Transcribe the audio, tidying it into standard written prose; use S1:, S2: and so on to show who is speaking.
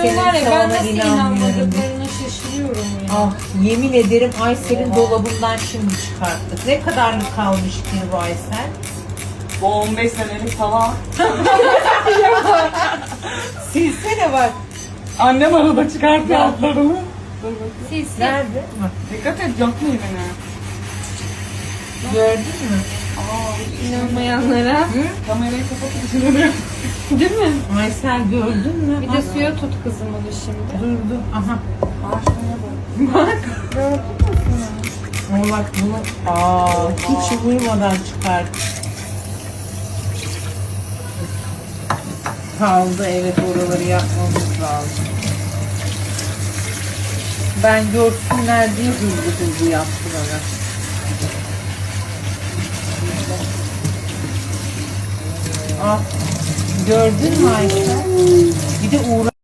S1: Aysel'in
S2: var ya, ben
S1: sana
S2: nasıl
S1: inanmıyorum.
S2: inanmadıklarına şaşırıyorum ya.
S1: Ah yemin ederim Aysel'in dolabından şimdi çıkarttık. Ne kadarlık kalmış ki bu Aysel?
S3: Bu 15 senelik falan.
S1: Silsene bak.
S3: Annem arada çıkartıyor altlarını. Dur bakayım.
S2: Sil.
S1: Nerede? Bak,
S3: Dikkat et, yakmayın beni.
S1: gördün mü?
S2: İnanmayanlara.
S3: Kamerayı kapatıp düşünüyorum.
S2: Değil mi?
S1: Aysel gördün mü?
S2: Bir de suya tut kızım onu şimdi.
S1: Durdu. Aha.
S3: Ağaçlarına bak.
S1: Ama bak bunu hiç uyumadan çıkart. Kaldı, evet, oraları yapmamız lazım. Ben görsünler diye hızlı yaptım ona. Ah, gördün mü Aysel? Bir de uğra